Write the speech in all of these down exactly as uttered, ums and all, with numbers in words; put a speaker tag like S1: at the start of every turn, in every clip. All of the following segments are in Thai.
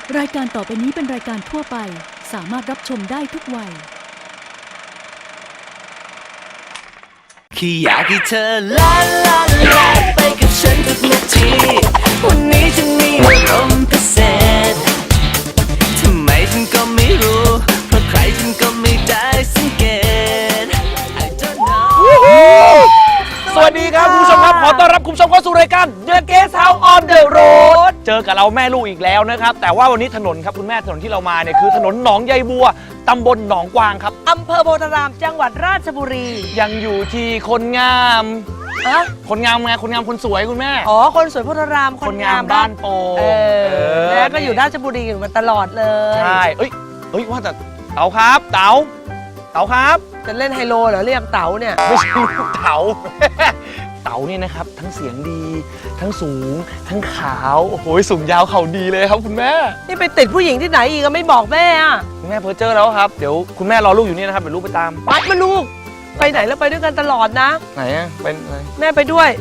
S1: รายการต่อไปนี้เป็นรายการทั่วไปสามารถรับชมได้ทุกวัย
S2: แค่อยากให้เธอลาลาลาไปกับฉันทุกนาทีวันนี้ฉันมีอารมณ์พิเศษทำไมฉันก็ไม่รู้เพราะใครฉันก็ไม่ได้สังเกต I don't know
S3: สวัสดีครับคุณผู้ชมครับขอต้อนรับคุณผู้ชมเข้าสู่รายการ The Guest House on the Road เจอกับเราแม่ลูกอีกแล้วนะครับแต่ว่าวันนี้ถนนครับคุณแม่ถนนที่เรามาเนี่ยคือถนนหนองใยบัวตำบลหนองกวางครับ
S4: อำเภอโพธารามจังหวัดราชบุรี
S3: ยังอยู่ที่คนงามอะคนงามไงคนงามคนสวยคุณแม่
S4: อ๋อคนสวยโพธาราม
S3: คนงามบ้านโปเอ
S4: อแล้วก็อยู่ราชบุรีอยู่มาตลอดเลย
S3: ใช่เอ้ยเอ้ยว่าแต่เต๋าครับเต๋าเต๋าครับ
S4: จะเล่นไฮโลเหรอเรียกเต๋าเนี่ย
S3: ไม่ใช่ลูกเต๋าเต๋าเนี่ยนะครับทั้งเสียงดีทั้งสูงทั้งขาวโอ้โหสูงยาวเข่าดีเลยครับคุณแม่
S4: นี่ไปติดผู้หญิงที่ไหนอีกก็ไม่บอกแม่อะ
S3: คุณแม่เพอเจอแล้วครับเดี๋ยวคุณแม่รอลูกอยู่นี่นะครับเดี๋ยวลูกไปตาม
S4: ไปมาลูกไปไหนแล้วไปด้วยกันตลอดนะ
S3: ไหนอะเป็นอะไร
S4: แม่ไปด้วย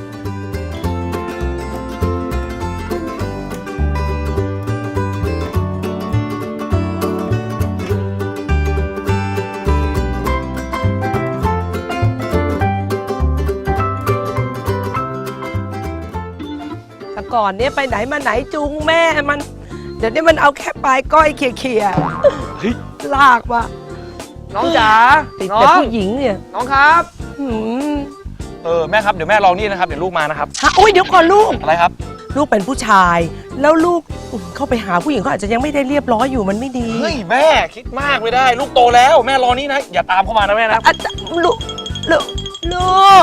S4: ก่อนเนี่ยไปไหนมาไหนจูงแม่มันเดี๋ยวนี้มันเอาแค่ปลายก้อยเขี่ยๆลากมา
S3: น้องจ๋า
S4: ติดแต่ผู้หญิงเนี่ย
S3: น้องครับเออแม่ครับเดี๋ยวแม่รอนี่นะครับเดี๋ยวลูกมานะครับ
S4: ฮะโอ้ยเดี๋ยวก่อนลูก
S3: อะไรครับ
S4: ลูกเป็นผู้ชายแล้วลูกเข้าไปหาผู้หญิงเขาอาจจะยังไม่ได้เรียบร้อยอยู่มันไม่ดี
S3: เฮ้ยแม่คิดมากไม่ได้ลูกโตแล้วแม่รอนี่นะอย่าตามเข้ามานะแม่นะ
S4: ลูกลูกลูก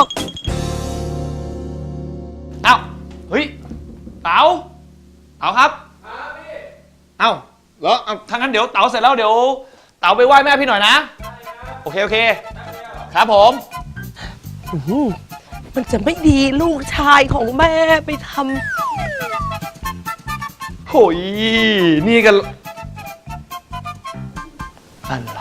S3: เอ้าเฮ้ยเต๋าเต๋าครับครับพี่เอ้าเหรอถ้างั้นเดี๋ยวเต๋าเสร็จแล้วเดี๋ยวเต๋าไปไหว้แม่พี่หน่อยนะโอเคโอเคครับผม
S4: มันจะไม่ดีลูกชายของแม่ไปท
S3: ำโหยนี่กันอะไร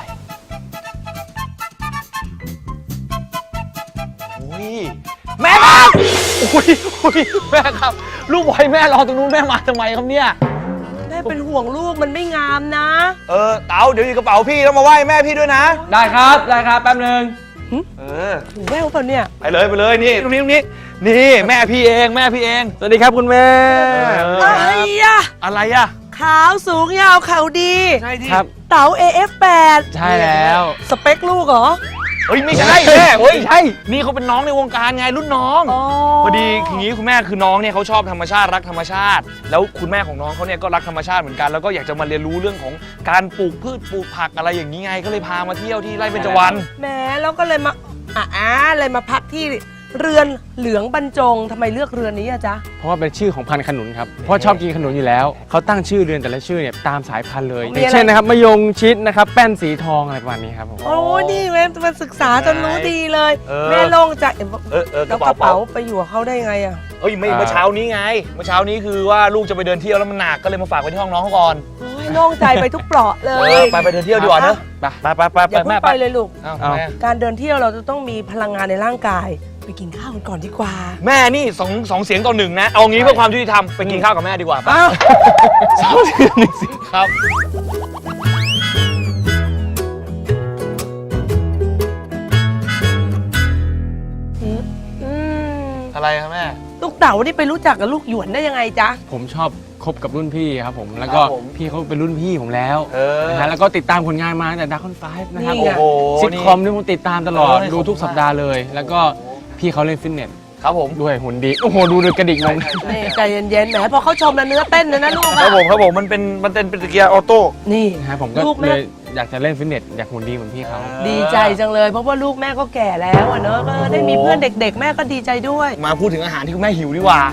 S3: โอ้ยแม่ครับโอ้ยโอ้ยแม่ครับลูกบอยแม่รอตรงนู้นแม่มาทำไมครับเนี่ย
S4: แม่เป็นห่วงลูกมันไม่งามนะ
S3: เออเต๋าเดี๋ยวอยู่กระเป๋าพี่ต้องมาไหว้แม่พี่ด้วยนะ
S5: ได้ครับได้ครับแป๊บนึง
S3: เออ
S4: แม่เปล่าเนี่ย
S3: ไปเลยไปเลยนี่ตรงนี้ตรงนี้นี่แม่พี่เองแม่พี่เองสวัสดีครับคุณแม่
S4: อะไรอะ
S3: อะไรอะ
S4: ขาวสูงยาวเข่าดี
S3: ใช่ดิ
S5: ครับ
S4: เต๋า เอ เอฟ แปด
S5: ใช่แล้ว
S4: สเปคลูกเหรอ
S3: เฮ้ยไม่ใช่แม่เฮ้ยใช่นี่เขาเป็นน้องในวงการไงรุ่นน้องพอดีอย่างนี้คุณแม่คือน้องเนี่ยเขาชอบธรรมชาติรักธรรมชาติแล้วคุณแม่ของน้องเขาเนี่ยก็รักธรรมชาติเหมือนกันแล้วก็อยากจะมาเรียนรู้เรื่องของการปลูกพืชปลูกผักอะไรอย่างนี้ไงก็เลยพามาเที่ยวที่ไร่เบญจวรรณ
S4: แหมแล้วก็เลยมาอ่าเลยมาพักที่เรือนเหลืองบรรจงทำไมเลือกเรือนนี้อะจ๊ะ
S5: เพราะว่าเป็นชื่อของพันธุ์ขนุนครับเพราะชอบกินขนุนอยู่แล้วเขาตั้งชื่อเรือนแต่ละชื่อเนี่ยตามสายพันธุ์เลยอย่างเช่นนะครับมะยงชิดนะครับแป้นสีทองอะไรประมาณนี้ครับผม
S4: โอ้นี่แม่มาศึกษาจนรู้ดีเลยแม่โล่งใจแล้วกระเป๋าไปอยู่กับเขาได้ไงอะ
S3: เอ้ยไม่เมื่อเช้านี้ไงเมื่อเช้านี้คือว่าลูกจะไปเดินเที่ยวแล้วมันหนักก็เลยมาฝากไว้ที่ห้องน้องเขาก่อน
S4: โอ้ยโล่งใจไปทุกเปราะเลย
S3: ไปไปเดินเที่ยวดีกว่าเนอะไปไปไปไป
S4: อย่าเพิ่งไปเลยลูกการเดินเที่ยวเราจะต้องมีพลังงานในร่างกายไปกินข้าวกันก่อนดีกว่า
S3: แม่นี่สองสองเสียงต่อหนึ่งนะเอางี้เพื่อความยุติธรรมไปกินข้าวกับแม่ดีกว่าป่ะสองเสียงหนึ่งเสียงครับอะไรครับแม่
S4: ลูกเต๋านี่ไปรู้จักกับลูกหยวนได้ยังไงจ๊ะ
S5: ผมชอบคบกับรุ่นพี่ครับผมแล้วก็พี่เขาเป็นรุ่นพี่ผมแล้วนะฮะแล้วก็ติดตามผลงานมาตั้งแต่ Dragon ไฟว์นะครับซิทคอมนี่ผมติดตามตลอดดูทุกสัปดาห์เลยแล้วก็พี่เขาเล่นฟิตเนส
S3: ครับผม
S5: ด้วยหุ่นดีโอ้โหดูดูกระดิกนม
S4: นี่ใจเย็นๆแหมพอเขาชมแล้วเนื้อเต้นเลยนะลูก
S3: ครับผมครับผมมันเป็นมันเป็นปฏิกิริยาออโต้
S4: นี่
S5: นะฮะผมก็เลยอยากจะเล่นฟิตเนสอยากหุ่นดีเหมือนพี่เขา
S4: ดีใจจังเลยเพราะว่าลูกแม่ก็แก่แล้วอ่ะเนอะก็ได้มีเพื่อนเด็กๆแม่ก็ดีใจด้วย
S3: มาพูดถึงอาหารที่คุณแม่หิวดีกว่า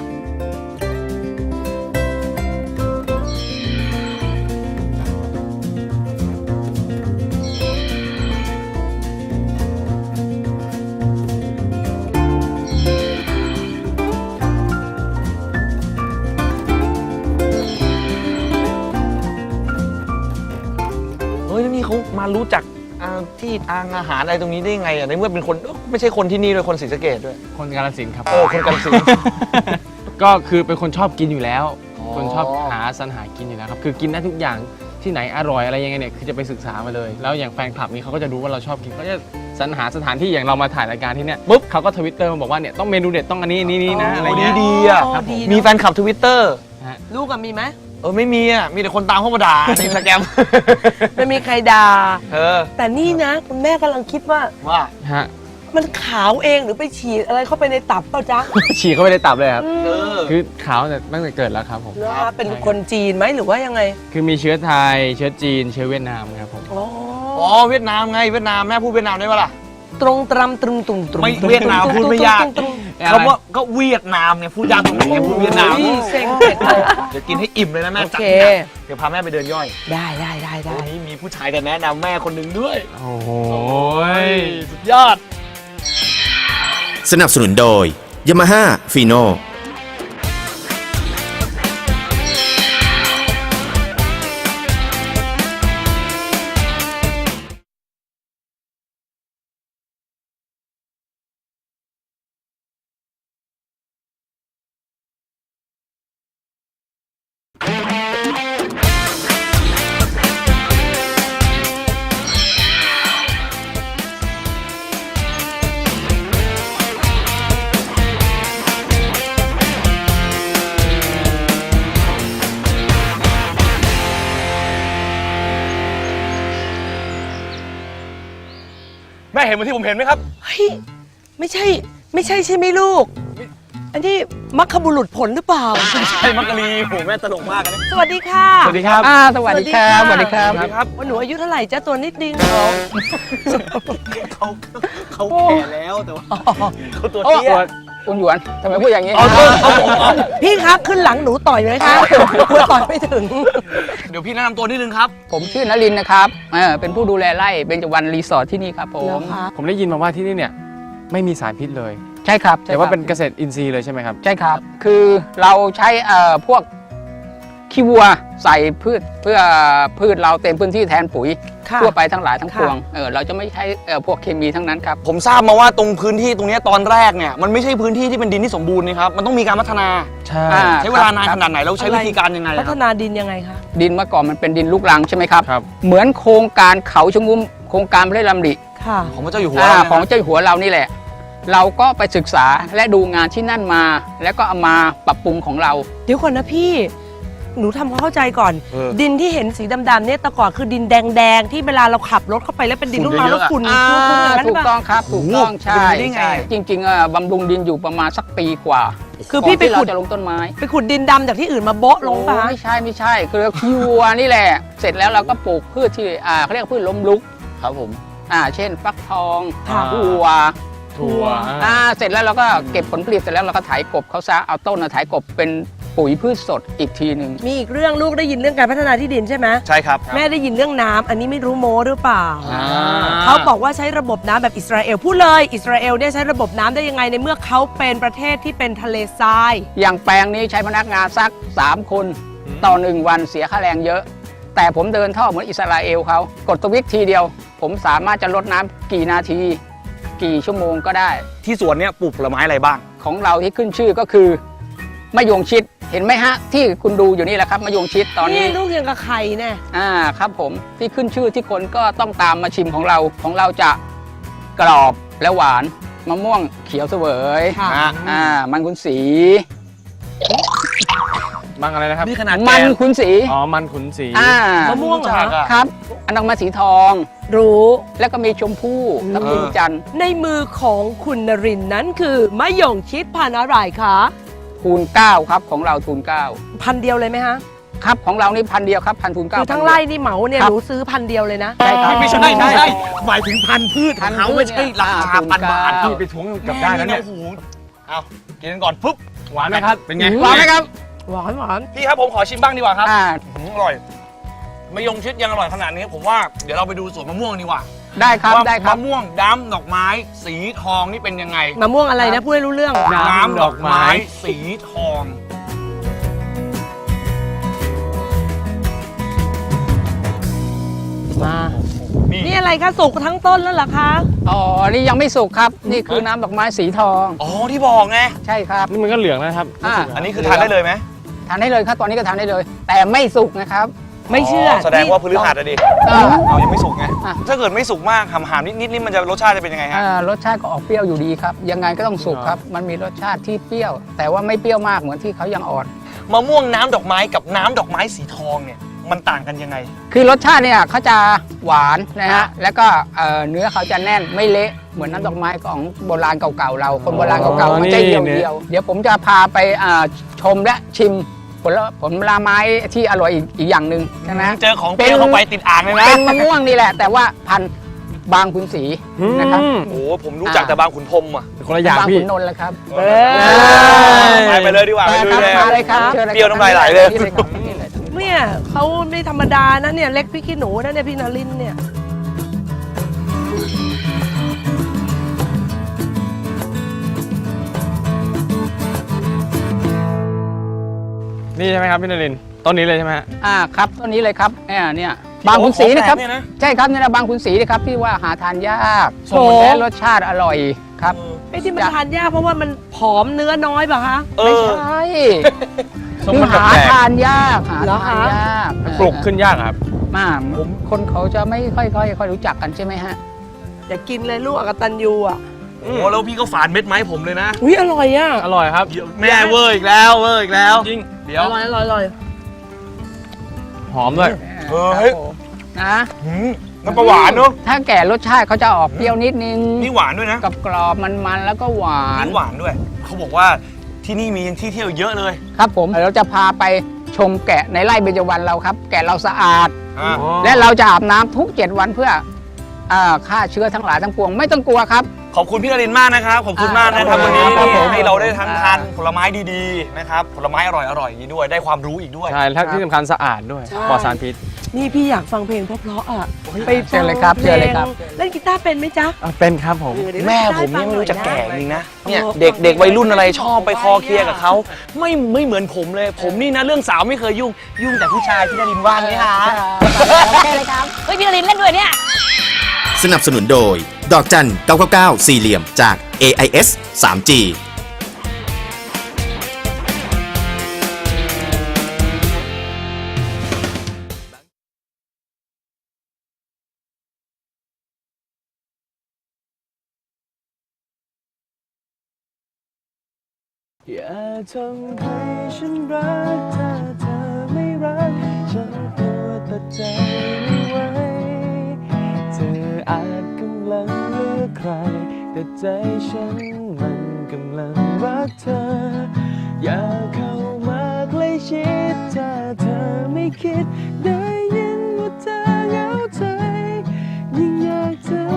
S3: เขามารู้จักที่ทางอาหารอะไรตรงนี้ได้ไงอ่ะในเมื่อเป็นคนไม่ใช่คนที่นี่ด้วยคนศรีสะเกษด้วย
S5: คนกาฬสินธุ์ครับ
S3: เออคนกาฬสินธุ์
S5: ก็คือเป็นคนชอบกินอยู่แล้วคนชอบหาสรรหากินอยู่แล้วครับคือกินได้ทุกอย่างที่ไหนอร่อยอะไรยังไงเนี่ยคือจะไปศึกษามาเลยแล้วอย่างแฟนคลับนี้เขาก็จะรู้ว่าเราชอบกินเขาจะสรรหาสถานที่อย่างเรามาถ่ายรายการที่เนี่ยปุ๊บเขาก็ทวิตเตอร์มาบอกว่าเนี่ยต้องเมนูเด็ดต้องอันนี้นี่นี่นะอะไร
S3: ดี
S5: เงี้ย
S3: ดีอ่ะ
S4: ครับผม
S3: มีแฟนคลับทวิตเตอร์
S4: ลูกอะมีไหม
S3: เออไม่มีอ่ะมีแต่คนตามเข้ามาด่าในอินสตาแกรม
S4: ไม่มีใครด่า
S3: เออ
S4: แต่นี่นะคุณแม่กำลังคิดว่า
S3: ว่า
S5: ฮะ
S4: มันขาวเองหรือไปฉีดอะไรเข้าไปในตับเปล่าจ๊ะ
S5: ฉีกเข้าไปในตับเลยครับ
S3: เออ
S5: คือขาวแต่ตั้งแต่เกิดแล้วครับผม
S4: เหรอคะเป็นคนจีนไหมหรือว่ายังไง
S5: คือมีเชื้อไทยเชื้อจีนเชื้อเวียดนามครับผม
S4: อ๋อ
S3: อ๋อเวียดนามไงเวียดนามแม่พูดเวียดนามได้ปะล่ะ
S4: ตรงตรำตรึงตุ่มตรุง
S3: ไม่
S4: ตรุง
S3: เวียดนามพูดไม่ยาก
S4: ตรงตรง
S3: คำว่าก็เวียดนามไงพูดยากตรงไหนไงพูดเวียดนาม
S4: อุ้ยเซ็งเผ็ดเลย
S3: เดี๋ยวกินให้อิ่มเลยนะแม่
S4: โอ
S3: จัด
S4: เค
S3: หนักเดี๋ยวพาแม่ไปเดินย่อย
S4: ได้ได้ได้ได้
S3: วันนี้มีผู้ชายจะแนะนำแม่คนหนึ่งด้วย
S5: โอ้โห
S3: สุดยอด
S6: สนับสนุนโดย Yamaha Fino
S3: แม่เห็นเหมือนที่ผมเห็นไหมครับ
S4: เฮ้ยไม่ใช่ไม่ใช่ใช่ไหมลูก อันนี้มัคคบุรุษผลหรือเปล่า
S3: ใช่มักกะลีโหแม่ตลกมากนะ
S4: สวัสดีค่ะ
S3: สวัสดีครับ
S5: อ่า
S4: สวัสดีครับสวัสดีครับ
S3: สวัสดีครับ
S4: ว่าหนูอายุเท่าไหร่จ้าตัวนิดนึง
S3: เขาเขาแก่แล้วแต่ว่าเขาตัวเตี้ย
S7: คุณหยวนทำไมพูดอย่างนี้
S3: เอาตัวเอาผมเอา
S4: พี่คะขึ้นหลังหนูต่อยไหมคะกลัวต่อยไม่ถึง
S3: เดี๋ยวพี่แนะนำตัวนิดนึงครับ
S7: ผมชื่อนลินทร์นะครับเออเป็นผู้ดูแลไร่เบญจวรรณรีสอร์ทที่นี่ครับผม
S4: แล้วคะ
S5: ผมได้ยินมาว่าที่นี่เนี่ยไม่มีสารพิษเลย
S7: ใช่ครับใช่
S5: แต่
S7: ค
S5: ว่า
S7: รับ
S5: เป็นเกษตรอินทรีย์เลยใช่ไหมครับ
S7: ใช่ครับ คือเราใช้เอ่อพวกขี้วัวใส่พืชเพื่อพืชเราเต็มพื้นที่แทนปุ๋ย
S4: ค่ะ
S7: ทั่วไปทั้งหลายทั้ง
S4: ค่ะ
S7: ปวงเออเราจะไม่ใช้เอ่อพวกเคมีทั้งนั้นครับ
S3: ผมทราบมาว่าตรงพื้นที่ตรงเนี้ยตอนแรกเนี่ยมันไม่ใช่พื้นที่ที่เป็นดินที่สมบูรณ์นี่ครับมันต้องมีการพัฒนา
S5: ใช่
S7: อ่า
S3: ใช้เวลานานขนาดไหนแล้วใช้วิธีการยังไง
S4: พั
S3: ค
S4: ฒ
S3: รับ
S4: นาดินยังไงคะ
S7: ดินเมื่อก่อนมันเป็นดินลูกรังใช่ไหมครับ
S5: ครับ
S7: เหมือนโครงการเขาชะงุมโครงการพระราชดำริ
S4: ค่ะ
S3: ของพระเจ้าอยู่หัว
S7: อ่า
S3: นะ
S7: ของเจ้าอยู่หัวเรานี่แหละ เราก็ไปศึกษาและดูงานที่นั่นมา แล้วก็เอามาปรับปรุงของเรา
S4: เดี๋ยวก่อนนะพี่ หนูทำความเข้าใจก่อน
S3: เออ
S4: ดินที่เห็นสีดำๆเนี่ยแต่ก่อนคือดินแดงๆที่เวลาเราขับรถเข้าไปแล้วเป็นดินลูกรังแล้วฝุ่น
S7: อ่า
S4: ฟุ้งๆอย่างนั้นห
S7: ถู
S4: รือก เป
S7: ต้อ
S4: ล่า
S7: งครับถูกต้องใช่
S3: เป็นไปได้ไง
S7: ใช่จริงๆอ่ะบำรุงดินอยู่ประมาณสักปีกว่า
S4: คือพี่ไป
S7: ก่นที่
S4: ขุด
S7: เราจะลงต้นไม้
S4: ไปขุดดินดำจากที่อื่นมาโบ๊ะลงป่ะ
S7: โอ้ไม่ใช่ไม่ใช่คือคิวัวนี่แหละ เสร็จแล้วเราก็ปลูกพืชที่อ่าเขาเรียกพืชล้มลุก
S3: ครับผม
S7: อ่าเช่นฟักทอง
S4: ค่ะ
S7: ถั่ว
S5: ถั่ว
S7: อ่าเสร็จแล้วเราก็เก็บผลผลิตเสร็จแล้วเราก็ไถกบเขาซะเอาต้นน่ะไถกบเป็นปุ๋ยพืชสดอีกทีหนึ่ง
S4: มีอีกเรื่องลูกได้ยินเรื่องการพัฒนาที่ดินใช่ไหม
S3: ใช่ครับ
S4: แม่ได้ยินเรื่องน้ำอันนี้ไม่รู้โม้หรือเปล่า
S3: อ่า
S4: เขาบอกว่าใช้ระบบน้ำแบบอิสราเอลพูดเลยอิสราเอลเนี่ยใช้ระบบน้ำได้ยังไงในเมื่อเขาเป็นประเทศที่เป็นทะเลทราย
S7: อย่างแปลงนี้ใช้พนักงานสักสามคนต่อหนึ่งวันเสียค่าแรงเยอะ แต่ผมเดินท่อเหมือนอิสราเอลเขากดสวิตช์ทีเดียว ผมสามารถจะลดน้ำกี่นาที กี่ชั่วโมงก็ได้
S3: ที่สวนเนี่ยปลูกผลไม้อะไรบ้าง
S7: ของเราที่ขึ้นชื่อก็คือมะยงชิดเห็นไหมฮะ ที่คุณดูอยู่นี่แหละครับมะยงชิดตอนนี้
S4: ลูกยังกับไข่แน่
S7: อ่าครับผมที่ขึ้นชื่อที่คนก็ต้องตามมาชิมของเราของเราจะกรอบและหวานมะม่วงเขียวเสวย
S4: ค่ะ
S7: อ่ามันขุนศรี
S5: มังอะไรนะครับ
S3: นี่ขนาด
S7: มั
S3: แก่
S7: นขุนศรี
S5: อ๋อ มันขุนศรี
S7: อ่าม
S4: ะม่วงเหรอ
S3: รู้จักอะ
S7: ครับ อันนั้นมาสีทอง
S4: รู้
S7: แล้วก็มีชมพู่ทับทิมจันทร์
S4: ในมือของคุณนรินทร์นั้นคือมะยงชิดพันธุ์อะไรคะ
S7: ทูนเก้าครับของเราทูนเก้า
S4: พันธุ์เดียวเลยไหมฮะ
S7: ครับของเรานี่พันเดียวครับพันทูนเก้า
S4: คือทั้งไร่นี่เหมาเนี่ย
S7: ครั
S4: ห
S7: บ
S4: นูซื้อพันธุ์เดียวเลยนะ
S7: ใช่ครับ
S3: ไม่ใช่ไม่ใช่หมายถึงพันธุ์พืชของเขาไม่ใช่ราคาพันบาท
S5: พี่ไปทวงกับได้แล้วเนี่ย
S3: โอ้โหเอากินกันก่อนปุ๊บ
S5: หวานไหมครับ
S3: เป็นไง
S7: หวานไหมครับ
S4: หวานหวาน
S3: พี่ครับผมขอชิมบ้างดีกว่าครับ
S7: อ่า
S3: อืมอร่อยมะยงชิดยังอร่อยขนาดนี้ผมว่าเดี๋ยวเราไปดูสวนมะม่วงดีกว่า
S7: ได้ครับ
S3: ว่า
S7: ได้ครับ
S3: มะม่วงดำดอกไม้ สีทองนี่เป็นยังไง
S4: มะม่วงอะไรนะพูดให้รู้เรื่อง
S5: น้ำดอกไม้
S3: สีทอง
S4: มา
S3: นี่
S4: นี่อะไรคะสุกทั้งต้นแล้วเหรอคะ
S7: อ๋อ นี่ยังไม่สุกครับ นี่คือน้ำดอกไม้สีทอง
S3: อ๋อที่บอกไง
S7: ใช่ครับ
S5: นี่มันก็เหลืองแล้วนะครับ
S7: อ่า
S3: อันนี้คือทานได้เลยไหม
S7: ทานได้เลยครับตอนนี้ก็ทานได้เลย แต่ไม่สุกนะครับ
S4: ไม่เชื่อ
S3: แสดงว่าพฤหัสอะดิ
S7: ก็
S3: เรายังไม่สุกไง
S7: อ่ะ
S3: ถ้าเกิดไม่สุกมากหำๆนิดๆนี่มันจะรสชาติจะเป็นยังไงฮะ
S7: อ่ารสชาติก็ออกเปรี้ยวอยู่ดีครับยังไงก็ต้องสุกครับมันมีรสชาติที่เปรี้ยว แต่ว่าไม่เปรี้ยวมากเหมือนที่เขายังอ่อน
S3: มะม่วงน้ำดอกไม้กับน้ำดอกไม้สีทองเนี่ยมันต่างกันยังไง
S7: คือรสชาติเนี่ยเขาจะหวานนะฮะแล้วก็เอ่อเนื้อเขาจะแน่นไม่เละเหมือนน้ำดอกไม้ของโบราณเก่าๆเราคนโบราณเก่าๆมันจะเหี่ยวเดียวเดี๋ยวผมจะพาไปอ่าชมและชิมผลผลไม้ที่อร่อยอีกอีกอย่างหนึ่งใช่ไหม
S3: เจอของเปรี้ยวเข้าไปติดอ่างเลยนะ
S7: เป็นมะม่วงนี่แหละ แต่ว่าพันธุ์บางขุนศรีนะครับ
S5: อืม
S3: โอ้โหผมรู้จักแต่บางขุนพรหมอ่ะ
S5: คนละอย่าง
S7: บาง
S5: พี่
S7: ขุนนนท์แหละครับ
S3: เออไปไปเลยดีกว่าไป
S7: มา
S3: ดู
S7: ครับ
S3: เลย
S7: มาเลยครับชิญ
S3: เปรี้ยวน้ำลายไหลเลย
S7: นี่ครับนี่เลย
S4: เนี่ยเขาไม่ธรรมดานะเนี่ยเล็กพี่ขี้หนูนะเนี่ยพี่นรินทร์เนี่ย
S5: นี่ใช่ไหมครับพี่นรินทร์ต้นนี้เลยใช่ไหมฮะ
S7: อ่าครับต้นนี้เลยครับเนี่ยเนี่ยบางขุนศรีนะครับ
S3: ของแปลกเนี่ยนะ
S7: ใช่ครับเนี่ยนะบางขุนศรีนะครับที่ว่าหาทานยาก
S4: โอ้
S7: และรสชาติอร่อยครับ
S4: ไอ้ที่มันทานยากเพราะว่ามันผอมเนื้อน้อยป่ะคะ
S3: เอ
S7: ไม่
S3: อ
S7: ใช่
S5: ส้ม
S7: คือ
S5: มัน
S7: หา
S5: แปลก
S7: ทานยากหา
S4: เหรอ
S7: ทาน
S4: คะ
S7: ยาก
S5: ปลูกขึ้นยากอะครับ
S7: มาผมคนเขาจะไม่ค่อยค่อยค่อยรู้จักกันใช่ไหมฮะ
S4: อย่ากินเลยลูกอกตันยูอ่ะ
S3: โอ้โหแล้วพี่ก็ฝานเม็ดไม้ผมเลยนะ
S4: อุ้ยอร่อยอ่ะ
S5: อร่อยครับ
S3: แม่เวอร์อีกแล้วเวอร์อีกแล้ว
S5: จริง
S3: เดี๋ยว
S4: อร่อยอร่อยอร่อย
S5: หอมด้วย
S3: เออเฮ้ย
S7: ครับผมนะ
S3: หืมน้ำปลาหวานเนอะ
S7: ถ้าแก่รสชาติเขาจะออกเปรี้ยวนิดนึง
S3: นี่หวานด้วยนะ
S7: กับกรอบมันๆแล้วก็หวาน
S3: นี่หวานด้วย เขาบอกว่าที่นี่มีที่เที่ยวเยอะเลย
S7: ครับผมเราจะพาไปชมแกะในไร่เบญจวรรณเราครับ แกะเราสะอาด
S3: อ่า
S7: และเราจะอาบน้ำทุกเจ็ดวันเพื่ออ่าฆ่าเชื้อทั้งหลายทั้งปวงไม่ต้องกลัวครับ
S3: ขอบคุณพี่นรินทร์มากนะครับ ขอบคุณมากนะครับ
S7: อ่า
S3: วันนี้
S7: ครับผม
S3: ให้เราได้ทั้งทาน
S7: อ่า
S3: ผลไม้ดีๆนะครับผลไม้อร่อยๆอย่างนี้ด้วยได้ความรู้อีกด้วย
S5: ใช่แล้วที่สำคัญสะอาดด้วย
S4: ใช่
S5: ปลอดสารพิษ
S4: นี่พี่อยากฟังเพลงเพราะๆอ่ะไป
S7: เชิญเลยครับเชิญเลยครับ
S4: เล่นกีตาร์เป็นไหมจ๊ะ
S5: อ่ะเป็นครับผม
S4: เออเดี๋ยว
S3: แม่
S4: เล่น
S3: ผม
S4: กีตา
S3: เนี่ยไม่รู้จะแก่จริงนะเนี่ย
S4: ออ
S3: เด็กเด็กวัยรุ่นอะไรชอบไปคอเคลียร์กับเขาไม่ไม่เหมือนผมเลย ผมนี่นะเรื่องสาวไม่เคยยุ่งยุ่งแต่ผู้ชายพี่นรินทร์ว่างไหมคะ
S7: ใช่เลยครับ
S8: เฮ้ยพี่นรินทร์เล่นด้วยเนี่ย
S6: สนับสนุนโดย ดอกจันเก้าเก้าเก้าสี่เหลี่ยมจาก เอ ไอ เอส ทรีจี
S2: อย่าทำให้ฉันรักถ้าเธอไม่รักฉันกลัวตัดใจไม่ไหวเธออาจกำลังเลือกใคร แต่ใจฉันมันกำลังรักเธอ อย่าเข้ามาใกล้ชิดถ้าเธอไม่คิดได้ยินว่าเธอเหงาใจยิ่งอยากเธอ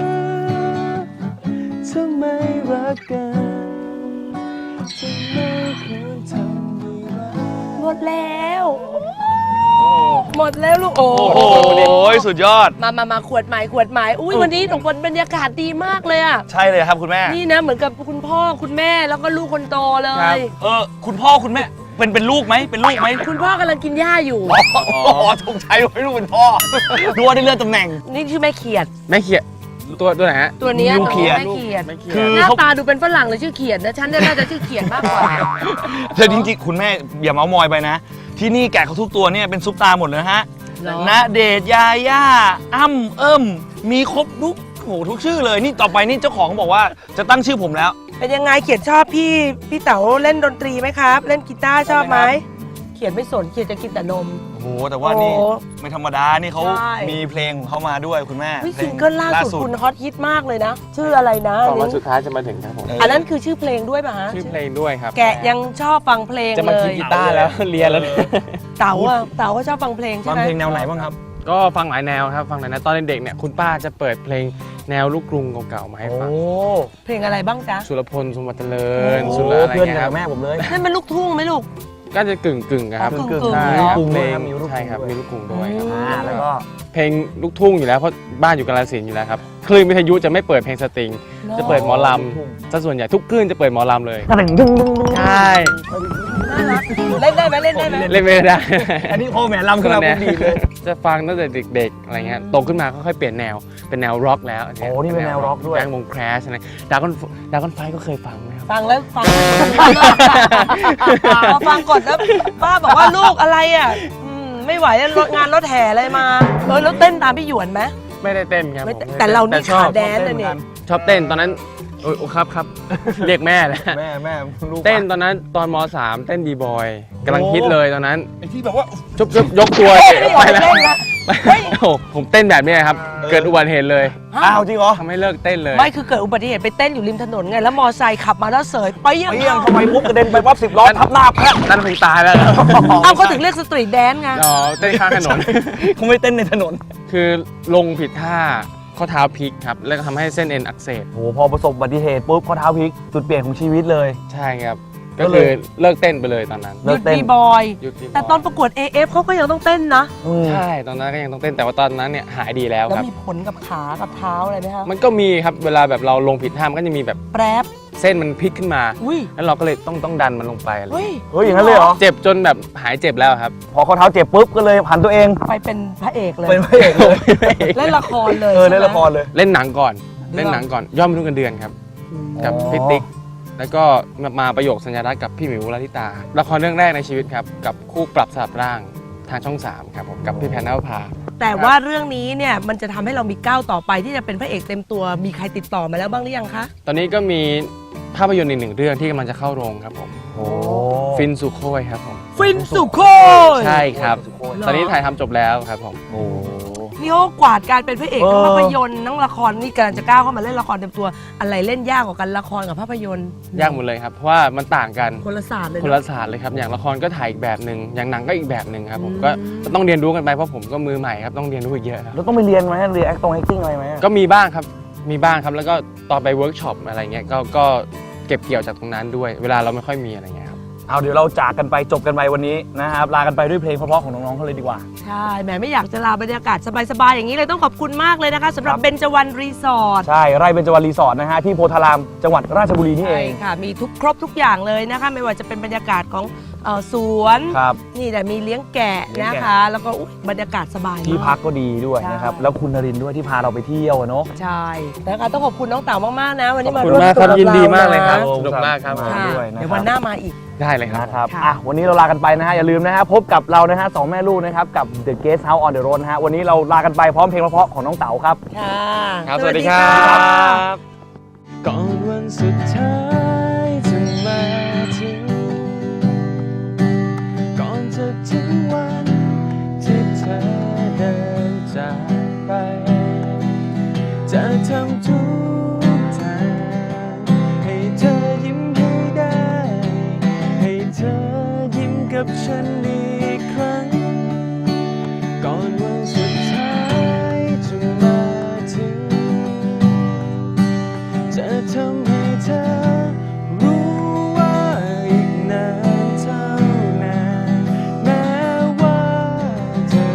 S2: ทำไมรักกันทำไมควรทำไม่รัก
S4: หมดแล้ว หมดแล้วลูกโอ้
S3: โอ้โหสุดยอด
S4: มามามาขวดใหม่ขวดใหม่อุ้ยวันนี้หนูบรรยากาศดีมากเลยอ่ะ
S3: ใช่เลยครับคุณแม่
S4: นี่นะเหมือนกับคุณพ่อคุณแม่แล้วก็ลูกคนโตเล
S5: ครั
S4: ย
S5: บ
S3: เออคุณพ่อคุณแม่เป็นเป็นลูกไหมเป็นลูกไหม
S4: คุณพ่อกำลังกินหญ้าอยู่
S3: อ๋อถูกใช้ไว้ลูกเป็นพ่อดูว่าได้เลื่อนตำแหน่ง
S4: นี่ชื่อแม่เขียด
S5: แม่เขียดตัวตัวไหนฮะ
S4: ตัวเนี้ย
S3: ลูกเขียด
S4: แม่เขียด
S5: แม่เขีย
S3: คื
S5: ด
S3: อ
S4: หน้า
S3: เขา
S4: ตาดูเป็นฝรั่งเลยชื่อเขียดนะฉันเนี่ยน่าจะชื่อเขียดมากกว่า
S3: แต่จริงๆคุณแม่อย่าเมามอยไปนะ ที่นี่แกะเขาทุกตัวเนี่ยเป็นซุปตาหมดเลยนะฮะ
S4: เหรอ
S3: ณเดชน์ยาย่าอ้ำเอิ่มมีครบทุกโหทุกชื่อเลยนี่ต่อไปนี่เจ้าของบอกว่าจะตั้งชื่อผมแล้ว
S4: เป็นยังไงเขียดชอบพี่พี่เต๋าเล่นดนตรีไหมครับ เล่นกีตาร์ชอบไหมเขียดไม่สนเขียดจะกินแต่นม
S3: โอ้โหแต่ว่านี่
S4: โอ้
S3: ไม่ธรรมดานี่เขา
S4: ใช่
S3: มีเพลงของเขามาด้วยคุณแม่
S4: วิ
S3: เพล
S4: ซิ
S3: ง
S4: งเกิลล่าสุดคุณฮอตฮิตมากเลยนะ ชื่ออะไรนะ
S5: สองวันสุดท้ายจะมาถึงครับผม
S4: อันนั้นคือชื่อเพลงด้วยป่ะฮะ
S5: ชื่อเพลงด้วยครับ
S4: แกะยังชอบฟังเพลง
S5: จะ
S4: เล
S5: มาคิด
S4: ย
S5: กีตาร์แล้ว เรียนแล้ว
S4: เต๋าอะเต๋าก็ชอบฟังเพลงใช่
S3: ฟัง
S4: ไหม
S3: เพลงแนวไหนบ้างครับ
S5: ก็ฟังหลายแนวครับ ฟังหลายแนวตอนเด็กๆเนี่ยคุณป้าจะเปิดเพลงแนวลูกกรุงเก่าๆมาให้ฟัง
S4: เพลงอะไรบ้างจ๊ะ
S5: สุรพลสมบัติเจริญ
S3: โอ้
S5: สุรอะไร
S3: เพื่อน
S5: เงี้ยครับ
S3: แม่ผมเลย
S4: นั่นเป็นลูกทุ่งไหมลูก
S5: ก็จะกึ่งกึ่งๆครับ
S4: อ๋อกึ่งๆ
S5: ใช่
S4: เนอะ
S5: ครับเพลง
S3: มีลูกกรุง
S5: ใช่ครับ
S3: ด้วย
S5: มีลูกกรุงด้วยครับ
S3: อ่าแล้วก็
S5: เพลงลูกทุ่งอยู่แล้วเพราะบ้านอยู่กาฬสินธุ์อยู่แล้วครับคลื่นวิทยุจะไม่เปิดเพลงสตริง จะเปิดหมอลำซะส่วนใหญ่ทุกคลื่นจะเปิดหมอลำเลยใช่
S4: น่ารักเล่นได้ไหมเล่นได้ไหม
S5: เล่นไม่ได้
S3: อันนี้โอแหมลำขึ้นมา
S5: คนละแนว
S3: ผมดีเลย
S5: จะฟังตั้งแต่เด็กๆอะไรเงี้ยโตขึ้นมาก็ค่อยเปลี่ยนแนวเป็นแนวร็อกแล้ว
S3: โอ้นี่เป็นแนวร็อกด้วย
S5: แบงค์วงแครชอะไรดากอนดากอนไฟก็เคยฟังนะครับ
S4: ฟังแล้วฟังพอฟังกดแล้วป้าบอกว่าลูกอะไรอ่ะอืมไม่ไหวแล้วรถงานรถแห่อะไรมาเออแล้วเต้นตามพี่หยวนไหม
S5: ไม่ได้เต้นครับ
S4: ไม่
S5: ผม
S4: แต่เรานี่
S5: ชอบ
S4: ขาแดนเลยเนี่ย
S5: ชอบเต้นตอนนั้นโอ้ยครับครับ เรียกแม่นะ
S3: แม่แม่ลูก
S5: เต้นตอนนั้นตอนม .สาม เต้นบีบอยกำลังฮิตเลยตอนนั้น
S3: ไอ้ที่แบบว่า
S5: จุบจุบยกตัว
S4: ไม่
S5: ไป
S4: ออก
S5: แล้ว
S4: เต้นนะ
S5: โอ้โหผมเต้นแบบนี้ครับ เกิดอุบัติเหตุเลย
S3: อ้าวจริงเหรอ
S5: ทำให้เลิกเต้นเลย
S4: ไม่คือเกิดอุบัติเหตุไปเต้นอยู่ริมถนนไงแล้วมอไซค์ขับมาแล้วเสยไปยัง
S3: เปี้ยงทำไมปุ๊บกระเด็นไปปั๊บสิบล้อทับหน้าแพะ
S5: นั่นคงตายแล้ว
S4: เอ้าเขาถึงเรียกสตรีทแดนซ์ไง
S5: อ๋อเต้นข้างถนน
S3: คงไม่เต้นในถนน
S5: คือลงผิดท่าข้อเท้าพลิกครับแล้วก็ทำให้เส้นเอ็นอักเสบ
S3: โอ้โหพอประสบอุบัติเหตุปุ๊บข้อเท้าพลิกจุดเปลี่ยนของชีวิตเลย
S5: ใช่ครับ
S3: ก็
S5: ก็
S3: เลย
S5: คือเลิกเต้นไปเลยตอนนั้น
S4: หยุดบีบอย
S5: หยุดที่
S4: แต่ตอนประกวด เอ เอฟ เขาก็ยังต้องเต้นนะ
S3: อืม
S5: ใช่ตอนนั้นก็ยังต้องเต้นแต่ว่าตอนนั้นเนี่ยหายดีแล้ว
S4: แล้ว
S5: ครับ
S4: มีผลกับขากับเท้าอะไรไหมคะ
S5: มันก็มีครับเวลาแบบเราลงผิดท่ามันก็จะมีแบบ
S4: แปรบ
S5: เส้นมันพลิกขึ้นมา
S4: อุ้ย
S5: แล้วเราก็เลยต้องต้องดันมันลงไปอะไร
S4: เฮ้ย
S3: เฮ้ยอย่างนั้นเลยเหรอ
S5: เจ็บจนแบบหายเจ็บแล้วครับ
S3: พอข้อเท้าเจ็บปุ๊บก็เลยผันตัวเอง
S4: ไปเป็นพระเอกเลย
S3: เป็นพระเอกเลย
S4: เล่นละครเลย
S3: เออ
S4: ใช่
S3: เล่น
S4: ไหม
S3: ละครเลย
S5: เล่นหนังก่อน
S4: เรื่อง
S5: เล่นหนังก่อนย่อมรุ่งกันเดือนครับ กับ
S3: อ๋อ
S5: พี่ติ๊กแล้วก็มาประโยคสัญญารักษ์กับพี่หมิวลลิตาละครเรื่องแรกในชีวิตครับกับคู่ปรับสลับร่างทางช่องสามครับผมกับพี่แพนนภา
S4: แต่ว่าเรื่องนี้เนี่ยมันจะทำให้เรามีก้าวต่อไปที่จะเป็นพระเอกเต็มตัวมีใครติดต่อมาแล้วบ้างหรือยังคะ
S5: ตอนนี้ก็มีภาพยนตร์อีกหนึ่งเรื่องที่กำลังจะเข้าโรงครับผม
S3: โอ้
S5: ฟินสุโคยครับผม
S4: ฟินสุโคย
S5: ใช่ครับ
S4: หรอ
S5: ตอนนี้ถ่ายทำจบแล้วครับผม
S3: โอ้
S4: นี่เขากวาดการเป็นพระเอกทั้ง
S3: เออ
S4: ภาพยนตร์ทั้งละครนี่กำลังจะก้าวเข้ามาเล่นละครเต็มตัวอะไรเล่นยากกว่ากันละครกับภาพยนตร์
S5: ยากหมดเลยครับเพราะว่ามันต่างกัน
S4: คนละศาสตร์เลย
S5: คน
S4: เน
S5: ละ
S4: อะ
S5: ศาสตร์เลยครับอย่างละครก็ถ่ายอีกแบบหนึ่งอย่างหนังก็อีกแบบหนึ่งครับผม
S4: อืม
S5: ก็ก็ต้องเรียนรู้กันไปเพราะผมก็มือใหม่ครับต้องเรียนรู้อีกเยอะครับ
S3: แล้วต้องไปเรียนไหมเรียน acting acting อะไรไหม
S5: ก็มีบ้างครับมีบ้างครับแล้วก็ตอนไปเวิร์กช็อปอะไรเงี้ยก็ก็เก็บเกี่ยวจากตรงนั้นด้วย เวลาเราไม่ค่อยมีอะไรเงี้ยครับ
S3: เอาเดี๋ยวเราจากกันไปจบกันไปวันนี้นะครับลากันไปด้วยเพลงเพราะๆของน้องๆเขาเลยดีกว่า
S4: ใช่แหมไม่อยากจะลาบรรยากาศสบายๆอย่างนี้เลยต้องขอบคุณมากเลยนะคะสำหรับ
S3: ครับ
S4: เบญจวรรณรีสอร์ท
S3: ใช่ไร่เบญจวรรณรีสอร์ทนะฮะที่โพธารามจังหวัดราชบุรีนี่เอ
S4: ใช่
S3: ง
S4: ค่ะ มีทุกครบทุกอย่างเลยนะคะ ไม่ว่าจะเป็นบรรยากาศของเอ่อสวน
S3: ครับ
S4: นี่แต่มีเลี้ยงแกะ
S3: เลี้ยง
S4: นะ
S3: แกะ
S4: คะ แล้วก็อุ๊ยบรรยากาศสบาย
S3: ที่
S4: มา
S3: พักก็ดีด้วยนะครับ
S4: ใช่
S3: แล้วคุณนรินทร์ด้วยที่พาเราไปเที่ยวอะเนาะ
S4: ใช่นะคะต้องขอบคุณน้องเต๋ามากๆนะ วันนี้
S5: ขอบ
S4: มา
S5: คุณ
S4: ร่วม
S5: มากครับ
S4: สนุ
S5: ยินดี
S4: กับ
S5: มากเลยครับ
S4: นะ
S5: สนุกมากครับ
S3: มา
S4: ค่ะ
S3: ด้วยนะครับ
S4: เดี๋ยววันหน้ามาอีก
S5: ได้เลยครับ
S3: นะครับ
S4: ค่ะ
S3: อ่ะวันนี้เราลากันไปนะฮะอย่าลืมนะฮะพบกับเรานะฮะสองแม่ลูกนะครับกับ The Guest House on the Road นะฮะวันนี้เราลากันไปพร้อมเพลงเพราะๆของน้องเต๋าครับ
S4: ค่ะ
S5: ครับสวัสดีครับ ก่อนวันสุดท้ายจะมาถึง ก่อนจะถึงวันที่เธอเดินจากไป จะทำทุกทางให้เธอยิ้มให้ได้ ให้เธอยิ้มกับฉันอีกครั้ง ก่อนวันสุดท้ายจะมาถึง จะทำให้เธอรู้ว่าอีกนานเท่านานแม้ว่าเธอ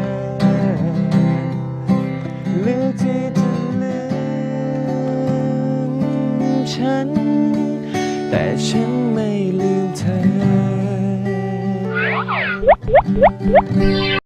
S5: เลือกที่จะลืมฉัน แต่ฉันไม่ลืมเธอ